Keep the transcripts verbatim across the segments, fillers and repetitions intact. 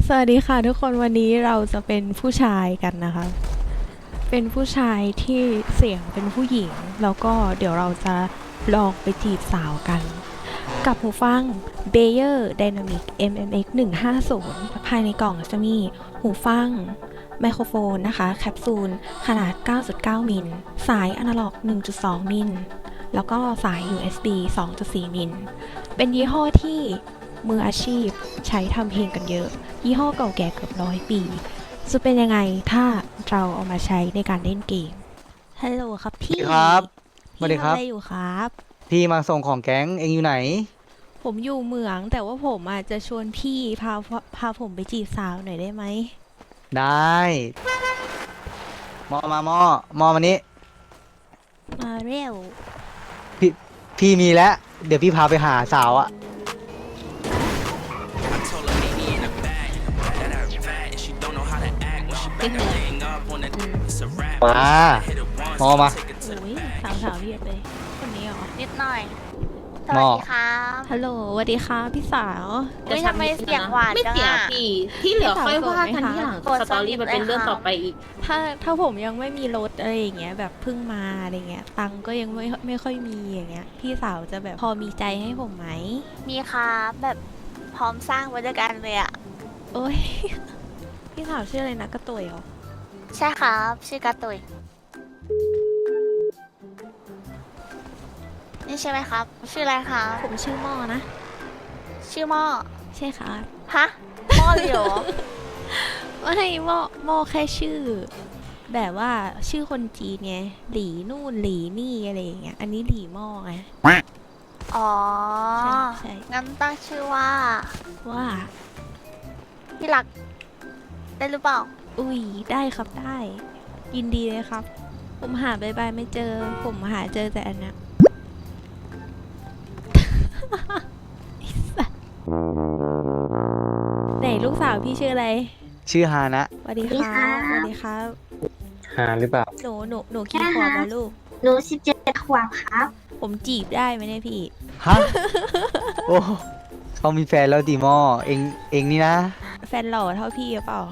สวัสดีค่ะทุกคนวันนี้เราจะเป็นผู้ชายกันนะคะ เป็นผู้ชายที่เสียงเป็นผู้หญิง แล้วก็เดี๋ยวเราจะลองไปจีบสาวกัน กับหูฟัง Bayer Dynamic เอ็ม เอ็ม เอ็กซ์ หนึ่งห้าศูนย์ ภายในกล่องจะมีหูฟังไมโครโฟนนะคะแคปซูลขนาด เก้าจุดเก้า มิลสายอนาล็อก หนึ่งจุดสอง มิลแล้วก็สาย ยู เอส บี สองจุดสี่ มิลเป็นยี่ห้อที่มืออาชีพใช้ทำเพลงกันเยอะ ยี่ห้อเก่าแก่เกือบร้อยปี จะเป็นยังไงถ้าเราเอามาใช้ในการเล่นเกม ฮัลโหลครับพี่สวัสดีครับสวัสดีพี่ครับทำอะไรอยู่ครับพี่มาส่งของแก๊งเองอยู่ไหนผมอยู่เหมืองแต่ว่าผมอาจจะชวนพี่พาพาผมไปจีบสาวหน่อยได้ไหมได้มอมา มอ มอมานี้มาเร็วพี่พี่มีแล้ว เดี๋ยวพี่พาไปหาสาวอะมา มอมาอุ้ยสาวสาวเรียกเลย คนนี้เหรอนิดหน่อย สหม้วัสอดีครับฮัลโหลสวัสดีค่ะพี่สาวเฮ้ยทำไมเสียงหวานไม่จังเสียอะพี่ที่เหลือค่อยว่ากันที่หลังโกรธสตอรี่มันเป็นเรื่องเลยค่ะต่อไปอีกถ้าถ้าผมยังไม่มีรถอะไรอย่างเงี้ยแบบเพิ่งมาอะไรเงี้ยตังค์ก็ยังไม่ไม่ค่อยมีอย่างเงี้ยพี่สาวจะแบบพอมีใจให้ผมไหมมีครับแบบพร้อมสร้างไว้ด้วยกันเลยอะโอ้ย พี่สาวชื่ออะไรนะกระตุยเหรอใช่ครับ ชื่อกาตุยนี่ใช่ไหมครับ ชื่ออะไรครับผมชื่อหม้อนะชื่อหม้อใช่ครับฮะหม้อเลยเหรอไม่หม้อหม้อแค่ชื่อ แบบว่าชื่อคนจีนไงหลีนู่นหลีนี่อะไรอย่างเงี้ยอันนี้หลีหม้อไงอ๋อใช่ใช่งั้นตั้งชื่อว่าว่าพี่รัก ได้หรือเปล่าอุ้ยได้ครับได้ ยินดีเลยครับ ผมหาบายบายไม่เจอ ผมหาเจอแต่อันเนี้ย ไอ้สัสไหนลูกสาวพี่ชื่ออะไรชื่อฮานะสวัสดีครับสวัสดีครับหาหรือเปล่าหนูหนูหนูกี่ขวบแล้วลูกหนูสิบเจ็ดขวบครับผมจีบได้ไหมเนี่ยพี่ฮะ โอ้เขามีแฟนแล้วดิมอ เองเองนี่นะแฟนหล่อเท่าพี่หรือเปล่า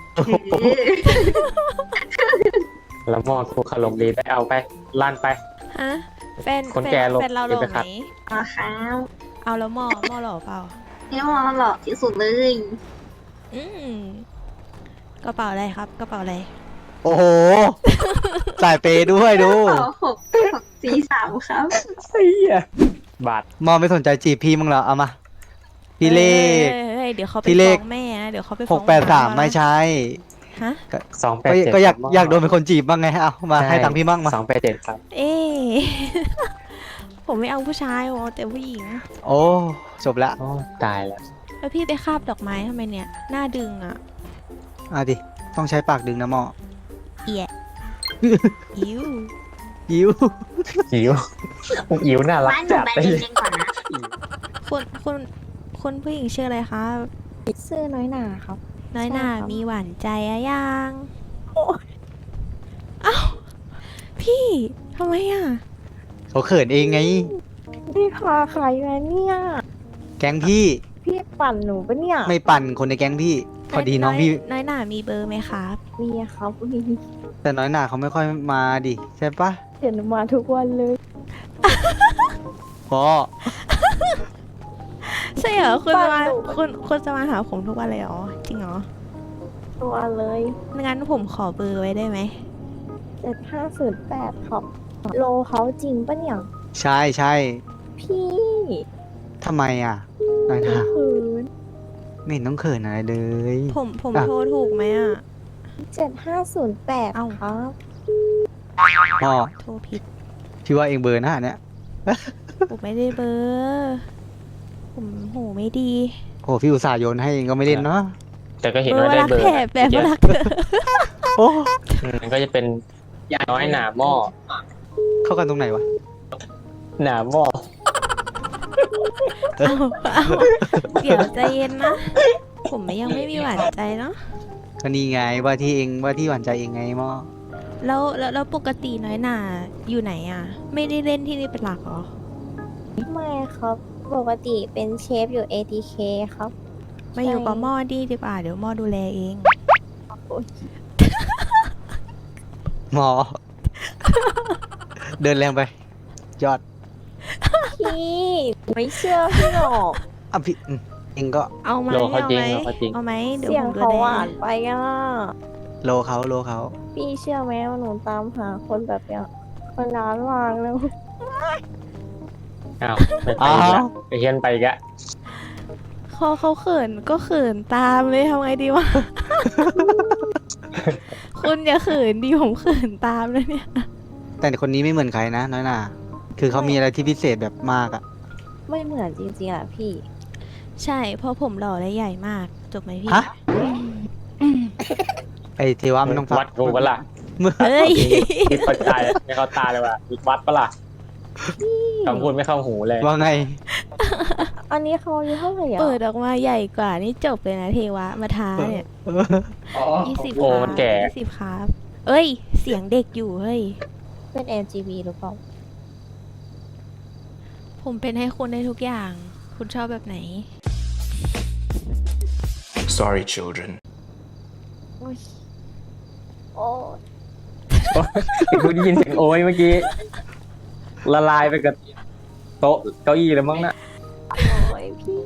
แล้วมอทูคารมดีไปเอาไปลั่นไปฮะ แฟนคนแฟแก่นลงแฟนเราหล่อเดี๋ยวไปไหขัมดอ๋อครับเอาแล้วหมอหมอหล่อเปล่านี่มอหล่อที่สุดเลยอืมกระเป๋าอะไรครับ กระเป๋าอะไรโอ้โห สายเปย์ด้วยดูต่อหกหกสี่สามครับบาทมอไม่สนใจจีบพี่มั้งเหรอ เอามา พี่เลขเฮ้ยเฮ้ยเดี๋ยวเขาไปพี่เลฟ้อขงแม่นะ เดี๋ยวเขาไปหฟ้อก งแปดสามนะไม่ใช่ฮะสองแปก็ดเจ็ดก็อยากอยากโดนเป็นคนจีบบ้างไง เอามาให้ตังค์พี่บ้างมาสองแปดเจ็ดครับเอ๊ ผมไม่เอาผู้ชายโอ้แต่ผู้หญิงโอ้ จบละโอ้ตายแล้วแล้วพี่ไปคาบดอกไม้ทำไมเนี่ย หน้าดึงอ่ะอ่ะดิ ต้องใช้ปากดึงนะหมอเอีย อิวยิวอิ๋วอิ๋วน่ารักบ้านหนูจัดไปเลยเรียนก่อนนะคุณคุณคุณผู้หญิงชื่ออะไรครับชื่อน้อยหนาครับน้อยหน่าใช่ครับมีหวานใจอะยังเอ้าพี่ทำไมอ่ะเขาเขินเองไงพี่พาใครมาเนี่ยแก๊งพี่พี่ปั่นหนูปะเนี่ยไม่ปั่นคนในแก๊งพี่ พอดีน้องพี่น้อยหน่ามีเบอร์ไหมครับมีครับมีแต่น้อยหนาเขาไม่ค่อยมาดิ ใช่ปะเห็นมาทุกวันเลยพ่อใช่เหรอคุณจะมาบ้านหนูคุณคุณจะมาหาผมทุกวันเลยเหรอจริงเหรอตัวเลยงั้นผมขอเบอร์ไว้ได้ไหมเจ็ดห้าศูนย์แปดครับ โลเขาจริงปะเนี่ยใช่ใช่พี่ทำไมอ่ะ น้อยหนาคืนไม่เห็นต้องเขินอะไรเลยผมผมอ่ะโทรถูกไหมอ่ะเจ็ดห้าศูนย์แปดเอ้าครับพ่อโทรผิดพี่ว่าเองเบอร์หน้าเนี่ยผมไม่ได้เบอร์ผมหูไม่ดีโอ้พี่อุตส่าห์โยนให้เองก็ไม่เล่นเนาะแต่ก็เห็นเบอร์ว่าได้รักเบอร์แถบแบบเยอะรักเธอโอ้อืมก็จะเป็นน้อยหนาหม้อเข้ากันตรงไหนวะหนาหม้อเอาเอาเดี๋ยวใจเย็นนะ ผมยังไม่มีหวานใจเนาะก็นี่ไงว่าที่เองว่าที่หวานใจเองไงหม้อแล้วแล้วแล้วปกติน้อยหน่าอยู่ไหนอ่ะ ไม่ได้เล่นที่นี่เป็นหลักเหรอไม่ครับ ปกติเป็นเชฟอยู่ เอ ที เค ครับมาอยู่กับหม้อดีดีกว่าเดี๋ยวหม้อดูแลเองหมอ เดินแรงไป ยอดพี่ไม่เชื่อพี่หรอกอ่ะพี่อืมเองก็เอาไหมโลเขาเอาจริงไหมโลเขาจริงเอาไหมเดี๋ยวเสียผงมดูเขาแลหวานไปอ่ะโลเขาโลเขาพี่เชื่อไหมว่าหนูตามหาคนแบบเนี้ยมานานมากแล้วอ้าวไปไปอีกแล้วไปเฮียนไปอีกแล้วเขาเขาเขินก็เขินตามเลยทำไงดีวะ คุณอย่าเขินดิผมเขินตามนะเนี่ยแต่คนนี้ไม่เหมือนใครนะน้อยหน่าคือเขามีอะไรที่พิเศษแบบมากอะไม่เหมือนจริงๆอ่ะพี่ใช่เพราะผมหล่อและใหญ่มากจบไหมพี่ฮะ ไอเทวะมันต้องฟังวัดกูปะล่ะเอ้ยคิดปัจจัยไม่เข้าตาเลยว่ะมีวัดปะล่ะคำพูดไม่เข้าหูเลยว่าไงอันนี้เขาอายุเท่าไหร่อ่ะเปิดออกมาใหญ่กว่านี่จบเลยนะเทวะมาท้าเนี่ยยี่สิบโอ้มันแก่ยี่สิบครับ เอ้ย เสียงเด็กอยู่เฮ้ยเป็น แอล จี บี หรือเปล่าผมเป็นให้คุณได้ทุกอย่าง คุณชอบแบบไหน Sorry, children. โอ้ยโอ้ยกูได้ยินเสียงโอ้ยเมื่อกี้ ละลายไปกับโต๊ะเก้าอี้แล้วมั้งน่ะโอ้ยพี่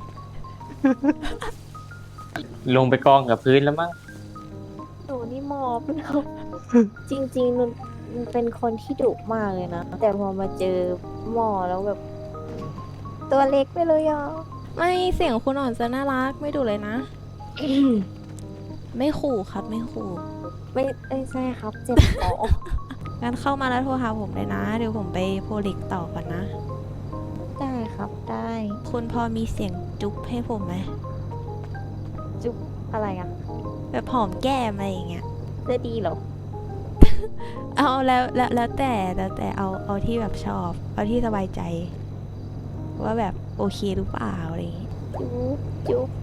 ลงไปกองกับพื้นแล้วมั้งหนูนี่มอบแล้ว จริงๆหนูเป็นคนที่ดุมากเลยนะ แต่พอมาเจอหมอแล้วแบบ ตัวเล็กไปเลยอ่ะไม่เสียงคุณอ่อนจะน่ารักไม่ดูเลยนะ ไม่ขู่ครับไม่ขู่ไม่ไม่ใช่ครับ เจ็บคองั้นเข้ามาแล้วโทรหาผมเลยนะ เดี๋ยวผมไปโพลิกต่อก่อนนะได้ครับได้คุณพอมีเสียงจุ๊บให้ผมไหมจุ๊บอะไรอ่ะแบบหอมแก้มอะไรอย่างเงี้ยจะดีเหรอเอาแล้วแล้วแล้วแต่แล้วแต่เอาเอาที่แบบชอบ เอาที่สบายใจ ว่าแบบโอเคหรือเปล่าอะไรอย่างงี้จุ๊บจุ๊บ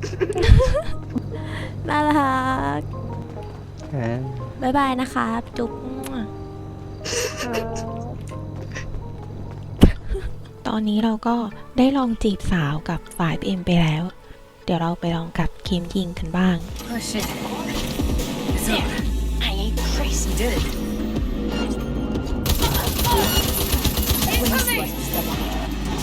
น่ารักเออบ๊ายบายนะครับ จุ๊บครับตอนนี้เราก็ได้ลองจีบสาวกับฝ่ายเอ็มไปแล้ว เดี๋ยวเราไปลองกับเคมยิงกันบ้าง Oh shit. It's over. I ain't crazy, did it? When you slice this stuff up.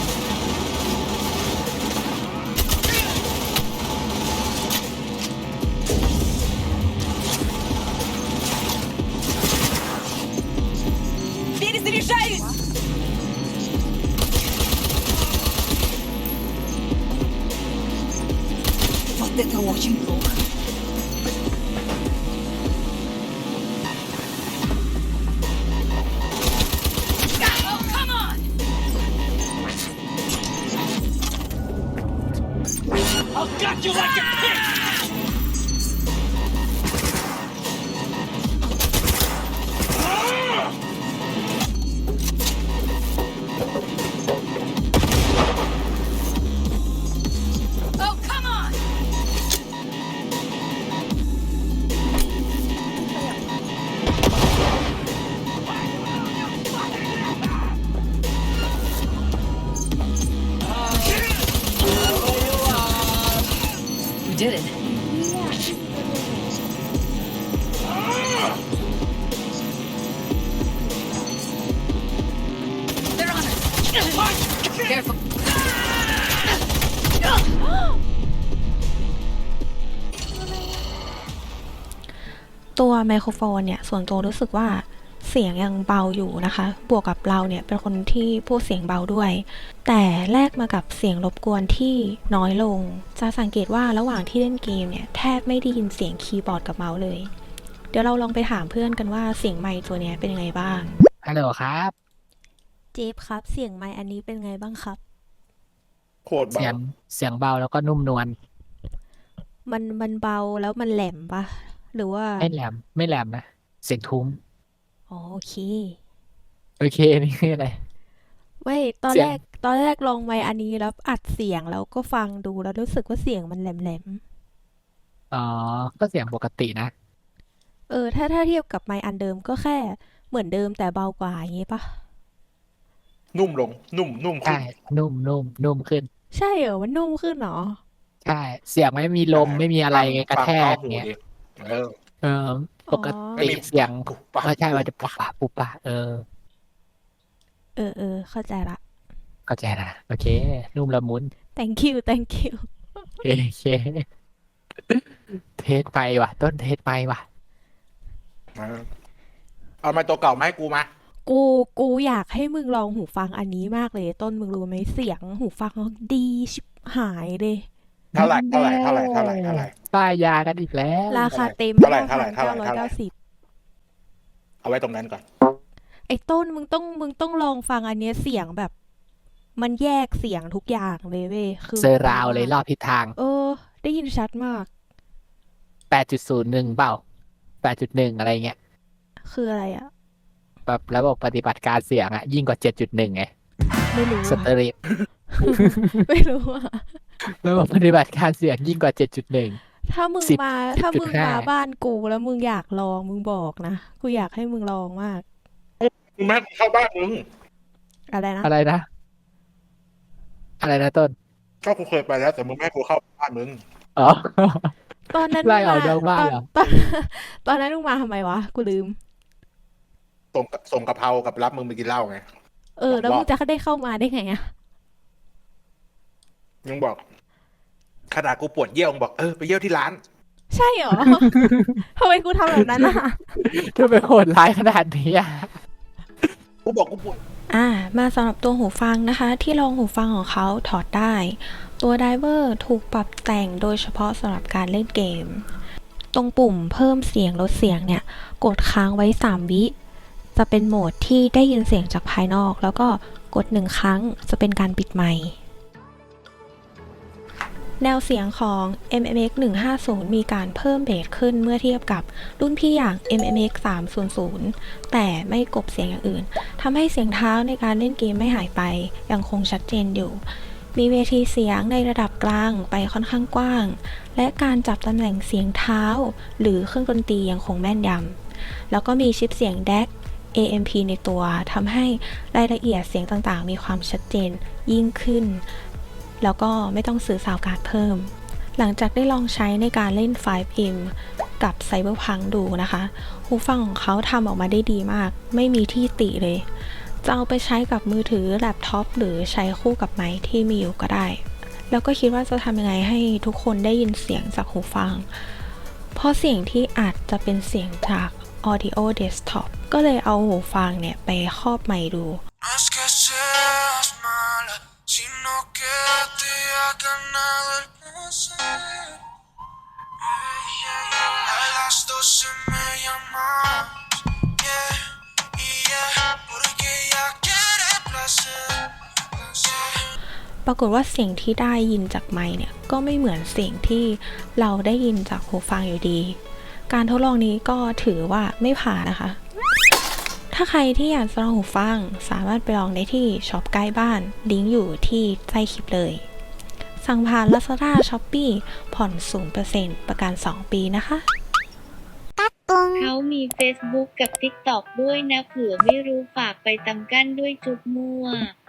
Перезаряжаюсь! Вот это очень плохо. Oh, come on! I'll gut you like a pig! Oh, come on! We did it. They're on us. Careful. ตัวไมโครโฟนเนี่ยส่วนตัวรู้สึกว่าเสียงยังเบาอยู่นะคะ บวกกับเราเนี่ยเป็นคนที่พูดเสียงเบาด้วย แต่แลกมากับเสียงรบกวนที่น้อยลง จะสังเกตว่าระหว่างที่เล่นเกมเนี่ยแทบไม่ได้ยินเสียงคีย์บอร์ดกับเมาส์เลย เดี๋ยวเราลองไปถามเพื่อนกันว่าเสียงไมค์ตัวเนี้ยเป็นยังไงบ้างฮัลโหลครับเจฟครับเสียงไมค์อันนี้เป็นไงบ้างครับโคตรเสียเบางเสียงเบาแล้วก็นุ่มนวลมันมันเบาแล้วมันแหลมปะหรือว่าไม่แหลมไม่แหลมนะ เสียงทุ้มอ๋อโอเคโอเค นี่คืออะไรไม่ตอนเสียแรง กตอนแรกลองไมค์อันนี้แล้วอัดเสียงแล้วก็ฟังดูแล้วรู้สึกว่าเสียงมันแหลมอ๋อ ก็เสียงปกตินะๆเออถ้าถ้าเทียบกับไมค์อันเดิมก็แค่เหมือนเดิมแต่เบากว่าอย่างงี้ปะนุ่มลง นุ่มนุ่มขึ้ใช่นนุ่มนุ่มนุ่มขึ้นใช่เหรอมันนุ่มขึ้นเหรอใใช่ เสียงไม่มีลมไม่มีอะไรไงกระแทกฟังเข้าหูเงี้ยดิเออเออ ปกไม่ติมีเสียงปุ๊บปั๊บไม่ใช่ว่าจะปุบปะปุบปะเออเออเออเข้าใจละเข้าใจนะโอเค นุ่มละมุน thank you thank you โอเค เทสไปว่ะ ต้นเทสไปว่ะเออเอาไม้ตัวเก่ามาให้กูมากูกูอยากให้มึงลองหูฟังอันนี้มากเลย ต้นมึงรู้ไหมเสียงหูฟังเขาดีชิบหายเลยเท่าไหร่เท่าไหร่เท่าไหร่เท่าไหร่เท่าไหร่ป้ายยากันอีกแล้วราคาเต็มเท่าไหร่เท่าไหร่เท่าไหร่เก้าร้อยเท่าไหร่เก้าสิบเอาไว้ตรงนั้นก่อนไอ้ต้นมึงต้องมึงต้องลองฟังอันเนี้ยเสียงแบบ มันแยกเสียงทุกอย่างเลยเว้ยคือเซอร์ราวเลยรอบทิศทางเออ ได้ยินชัดมากแปดจุดศูนย์หนึ่งเปล่า แปดจุดหนึ่ง อะไรเงี้ยคืออะไรอ่ะแบบระบบปฏิบัติการเสียงอะยิ่งกว่า เจ็ดจุดหนึ่ง ไงไม่รู้สอะเตอริโอไม่รู้อ่ะระบบปฏิบัติการเสียงยิ่งกว่า เจ็ดจุดหนึ่งถ้ามึงสิบมาถ้ามึงสิบจุดห้ามาบ้านกูแล้วมึงอยากลองมึงบอกนะกูอยากให้มึงลองมากมึงไม่ให้กูเข้าบ้านมึงอะไรนะอะไรนะ อะไรนะต้นก็กูเคยไปแล้วแต่มึงไม่ให้กูเข้าบ้านมึงอ๋อตอนนั้นไล่มึงออกมานอกบ้านตอนเหรอตอนตอนนั้นมึงมาทำไมวะ กูลืมส่งส่งกะเพรากับรับมึงไปกินเหล้าไงเออ แล้วมึงจะได้เข้ามาได้ไงอะมึงบอกขนาดกูปวดเยี่ยวมึงบอกเออไปเยี่ยวที่ร้านใช่เหรอ ทำไมกูทำแบบนั้นอ่ะทำไมโหดร้ายขนาดนี้อะกูบอกกูปวดอ่า มาสำหรับตัวหูฟังนะคะ ที่รองหูฟังของเขาถอดได้ ตัวไดเวอร์ถูกปรับแต่งโดยเฉพาะสำหรับการเล่นเกม ตรงปุ่มเพิ่มเสียงลดเสียงเนี่ย กดค้างไว้สามวิจะเป็นโหมดที่ได้ยินเสียงจากภายนอก แล้วก็กดหนึ่งครั้งจะเป็นการปิดไมค์ แนวเสียงของ เอ็ม เอ็ม เอ็กซ์ หนึ่งห้าศูนย์ มีการเพิ่มเบสขึ้นเมื่อเทียบกับรุ่นพี่อย่าง เอ็ม เอ็ม เอ็กซ์ สามศูนย์ แต่ไม่กลบเสียงอย่างอื่นทำให้เสียงเท้าในการเล่นเกมไม่หายไปยังคงชัดเจนอยู่ มีเวทีเสียงในระดับกลางไปค่อนข้างกว้าง และการจับตำแหน่งเสียงเท้า หรือเครื่องดนตรียังคงแม่นยำแล้วก็มีชิปเสียง ดี เอ ซี เอ เอ็ม พี ในตัวทำให้รายละเอียดเสียงต่างๆ มีความชัดเจนยิ่งขึ้น แล้วก็ไม่ต้องซื้อซาวด์การ์ดเพิ่ม หลังจากได้ลองใช้ในการเล่น ไฟว์ เอ็ม กับ Cyberpunk ดูนะคะ หูฟังของเขาทำออกมาได้ดีมาก ไม่มีที่ติเลย จะเอาไปใช้กับมือถือแล็ปท็อปหรือใช้คู่กับไมค์ที่มีอยู่ก็ได้ แล้วก็คิดว่าจะทำยังไงให้ทุกคนได้ยินเสียงจากหูฟัง เพราะเสียงที่อาจจะเป็นเสียงจาก Audio Desktop ก็เลยเอาหูฟังเนี่ยไปครอบไมค์ดู ปรากฏว่าเสียงที่ได้ยินจากไมค์เนี่ยก็ไม่เหมือนเสียงที่เราได้ยินจากหูฟังอยู่ดี การทดลองนี้ก็ถือว่าไม่ผ่านนะคะ ถ้าใครที่อยากจะลองหูฟังสามารถไปลองได้ที่ช็อปใกล้บ้านลิงก์อยู่ที่ใต้คลิปเลย สั่งผ่าน Lazada Shopee ผ่อน ศูนย์เปอร์เซ็นต์ ประกัน สอง ปีนะคะเขามี Facebook กับ TikTok ด้วยนะเผื่อไม่รู้ฝากไปตำกั้นด้วยจุ๊บมั่ว